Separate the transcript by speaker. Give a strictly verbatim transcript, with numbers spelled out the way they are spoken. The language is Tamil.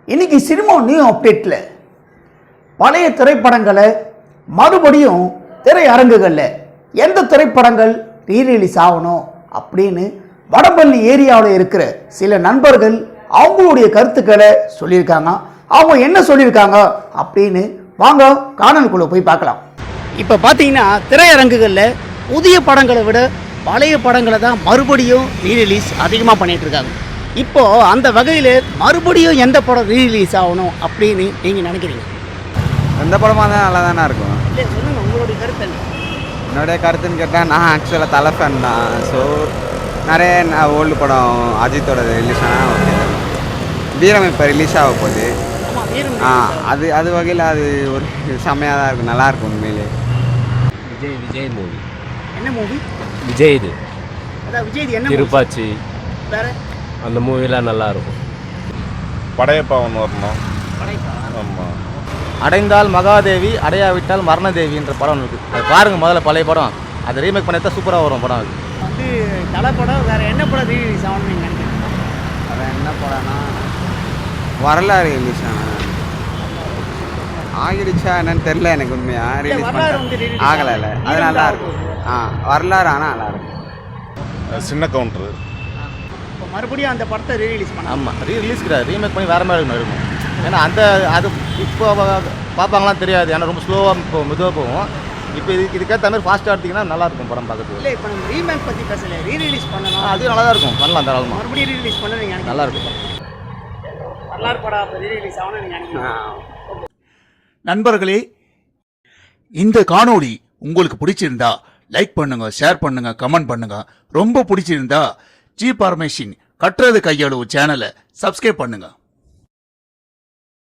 Speaker 1: இன்னைக்கு சினிமா நியூ அப்டேட்டில் பழைய திரைப்படங்களை மறுபடியும் திரையரங்குகளில் எந்த திரைப்படங்கள் ரீரிலீஸ் ஆகணும் அப்படின்னு வடபள்ளி ஏரியாவில் இருக்கிற சில நண்பர்கள் அவங்களுடைய கருத்துக்களை சொல்லியிருக்காங்க. அவங்க என்ன சொல்லியிருக்காங்க அப்படின்னு வாங்க காணொளிக்குள்ள போய் பார்க்கலாம். இப்போ பார்த்தீங்கன்னா திரையரங்குகளில் புதிய படங்களை விட பழைய படங்களை தான் மறுபடியும் ரீரிலீஸ் அதிகமாக பண்ணிகிட்டு இருக்காங்க. இப்போது அந்த வகையில் மறுபடியும் எந்த படம் ரீரிலீஸ் ஆகணும் அப்படின்னு நீங்கள் நினைக்கிறீங்க?
Speaker 2: எந்த படமாக இருந்தால் நல்லா தானே இருக்கும்.
Speaker 1: இல்லை சொல்லுங்கள், உங்களுடைய கருத்து என்ன?
Speaker 2: என்னுடைய கருத்துன்னு கேட்டால் நான் ஆக்சுவலாக தலை ஃபேன் தான். ஸோ நிறைய ஓல்டு படம் அஜித்தோட ரிலீஸ் ஆனால் ஓகே. வீரம் இப்போ ரிலீஸ் ஆக போகுது. ஆ அது அது வகையில் அது ஒரு செம்மையாக தான் இருக்கும், நல்லாயிருக்கும் உண்மையிலே.
Speaker 3: விஜய் விஜய் மூவி.
Speaker 1: என்ன மூவி?
Speaker 3: விஜய் இது.
Speaker 1: அதான் விஜய் இது என்ன?
Speaker 3: திருப்பாச்சி.
Speaker 1: வேற
Speaker 3: அந்த மூவிலாம் நல்லா இருக்கும்.
Speaker 4: படையப்பா ஒன்று வரணும். ஆமாம்.
Speaker 5: அடைந்தால் மகாதேவி, அடையாவிட்டால் மரணதேவின்ற படம் இருக்குது. அது பாருங்கள், முதல்ல பழைய படம். அதை ரீமேக் பண்ணி சூப்பராக வரும் படம். அது
Speaker 1: வந்து தலை படம் வேறு என்ன படம் ரீரிலீஸ் ஆகணும்னு நீங்கள் நினைக்கிறீங்க?
Speaker 2: அது என்ன படம்னா வரலாறு ரிலீஸ் ஆனால் ஆகிடுச்சா என்னன்னு தெரில எனக்கு உண்மையாக. ரிலீஸ் பண்ண ஆகலை இல்லை, அது நல்லா இருக்கும். ஆ வரலாறு ஆனால் நல்லா இருக்கும்.
Speaker 4: சின்ன கவுண்டரு.
Speaker 1: இப்போ மறுபடியும் அந்த படத்தை ரீரிலீஸ் பண்ண.
Speaker 5: ஆமாம், ரீ ரிலீஸ் கிடையாது, ரீமேக் பண்ணி வேறு மாதிரி இருக்கும். ஏன்னா அந்த அது இப்போ பார்ப்பாங்களாம் தெரியாது, ஏன்னா ரொம்ப ஸ்லோவாக இப்போ மெதுவாக போகும். இப்போ இதுக்கு இதுக்கேற்ற மாதிரி ஃபாஸ்ட்டாக எடுத்திங்கன்னா நல்லாயிருக்கும் படம் பார்க்கறதுக்கு.
Speaker 1: இல்லை, இப்போ நம்ம ரீமேக் பற்றி பேசலை, ரீரிலீஸ் பண்ணணும்.
Speaker 5: அதுவும் நல்லா தான் இருக்கும், பண்ணலாம் தாராளமாக.
Speaker 1: மறுபடியும் ரீரிலீஸ் பண்ண நீங்கள்
Speaker 5: நல்லா இருக்கும்.
Speaker 1: வரலாறு படம் ரீரிலீஸ் ஆகணும்னு நீங்கள் நினைக்கிறீங்க?
Speaker 6: நண்பர்களே, இந்த காணொளி உங்களுக்கு பிடிச்சிருந்தா லைக் பண்ணுங்க, ஷேர் பண்ணுங்க, கமெண்ட் பண்ணுங்க. ரொம்ப பிடிச்சிருந்தா ஜி பார்மேஷன் கட்டுறது கையளவு சேனலை சப்ஸ்கிரைப் பண்ணுங்க.